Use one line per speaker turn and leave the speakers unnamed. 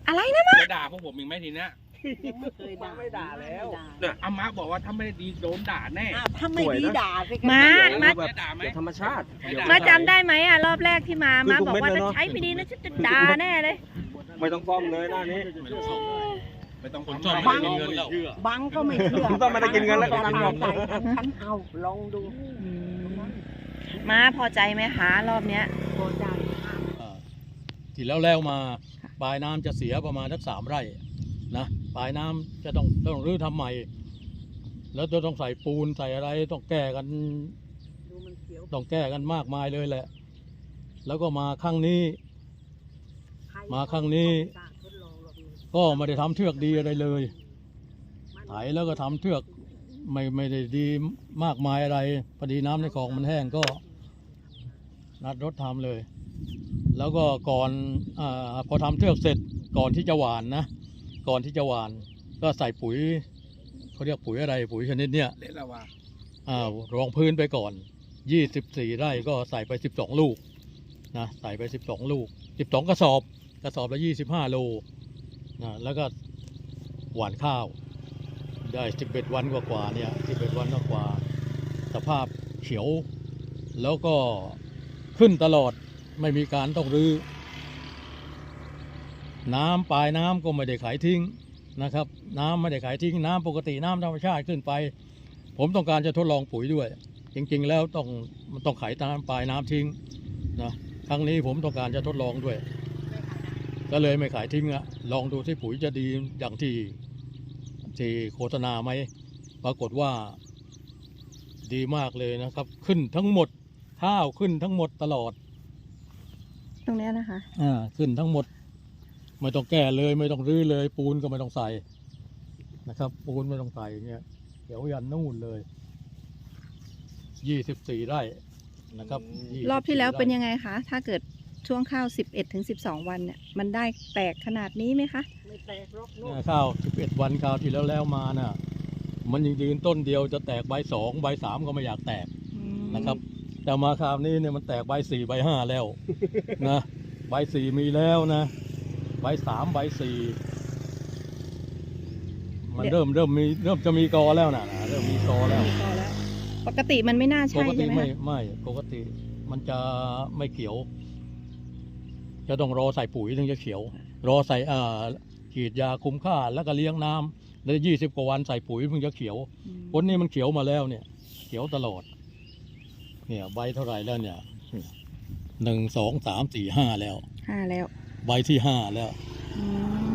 อะไรนะมะ
จะด่าพวกผมอีกไหมทีเนี้ย
ยังไม่เคยด่าไม่ด่าแล้ว
เนี่ยอาม่าบอกว่าถ้าไม่ดีโดนด่าแน่
ถ้าไม่ดีด่าสิ
มา
จะด่าไหม
ธรรมชาติ
มาจำได้ไหมอ่ะรอบแรกที่มาบอกว่าถ้าใช้ไม่ดีนะฉันจะด่าแน่เลย
ไม่ต้องฟ้องเลยหน้านี้
ไม่ต้อง
คนชอบ
ไม่
ไม่
ต้
ได้
อง
กินเงินแล้ว
บังก็ไม่เชื่อ
ต้องไม่ได้กินเงินแล้วก็
จะ
กิน
ตา
เงิ
ย
น
ใจฉันเอาลองดู
มาพอใจไหมคะรอบเนี้ย
พอใจ
ที่แล้วมาปลายน้ำจะเสียประมาณสัก3 ไร่นะปลายน้ำจะต้องรื้อทำใหม่ แล้วจะต้องใส่ปูนใส่อะไรต้องแก้กัน
ดูมันเขียว
ต้องแก้กันมากมายเลยแหละ แล้วก็มาครั้งนี้ ก็ไม่ได้ทำเทือกดีอะไรเลยไถแล้วก็ทำเทือกไม่ได้ดีมากมายอะไรพอดีน้ำในคลองมันแห้งก็นัดรถทำเลย แล้วก็ก่อนพอทำเทือกเสร็จก่อนที่จะหว่านนะก่อนที่จะหว่านก็ใส่ปุ๋ยเขาเรียกปุ๋ยอะไรปุ๋ยชนิดเนี้ย
เละละว่ะ
รองพื้นไปก่อน24 ไร่ก็ใส่ไป12 ลูกนะใส่ไป12 ลูก12 กระสอบละ25 โลนะแล้วก็หว่านข้าวได้11 วันกว่าๆเนี่ย11 วันกว่าสภาพเขียวแล้วก็ขึ้นตลอดไม่มีการต้องรื้อน้ำปลายน้ำก็ไม่ได้ขายทิ้งนะครับน้ำไม่ได้ขายทิ้งน้ำปกติน้ำธรรมชาติขึ้นไปผมต้องการจะทดลองปุ๋ยด้วยจริงๆแล้วมันต้องขายน้ำปลายน้ำทิ้งนะครั้งนี้ผมต้องการจะทดลองด้วยก็เลยไม่ขายทิ้งอะลองดูที่ปุ๋ยจะดีอย่างที่โฆษณาไหมปรากฏว่าดีมากเลยนะครับขึ้นทั้งหมดข้าวขึ้นทั้งหมดตลอด
ตรงเนี้ยนะคะ
ขึ้นทั้งหมดไม่ต้องแก้เลยไม่ต้องรื้อเลยปูนก็ไม่ต้องใส่นะครับปูนไม่ต้องใส่เนี่ยเดี๋ยวยันนู่นเลย24 ไร่นะครับ
รอบที่แล้วเป็น
ไร่
ยังไงคะถ้าเกิดช่วงข้าว11 ถึง 12 วันเนี่ยมันได้แตกขนาดนี้ไหมคะ
ไม่แตกรกนู่น
ข้าว11 วันข้าวที่แล้วมาน่ะมันยังยืนต้นเดียวจะแตกใบ2ใบ3ก็ไม่อยากแตกนะครับแต่มาคราวนี้เนี่ยมันแตกใบ4ใบ5แล้วนะใบ4มีแล้วนะใบ3ใบ4มันเริ่มจะมีกอแล้วนะเริ่มมีกอแล้ว
พอแล้ว ปกติมันไม่น่า
ป
ใช่
กติ
ใช่ไหม
ไม่
คะ
ปกติมันจะไม่เขียว จะต้องรอใส่ปุ๋ยถึงจะเขียว รอใส่ฉีดยาคุมค่าแล้วก็เลี้ยงน้ำแล้ว20 กว่าวันใส่ปุ๋ยถึงจะเขียวคนนี้มันเขียวมาแล้วเนี่ย เขียวตลอด เนี่ยใบเท่าไหร่แล้วเนี่ย1 2 3 4 5แล้ว
5 แล้ว
ใบที่5แล้ว
อืม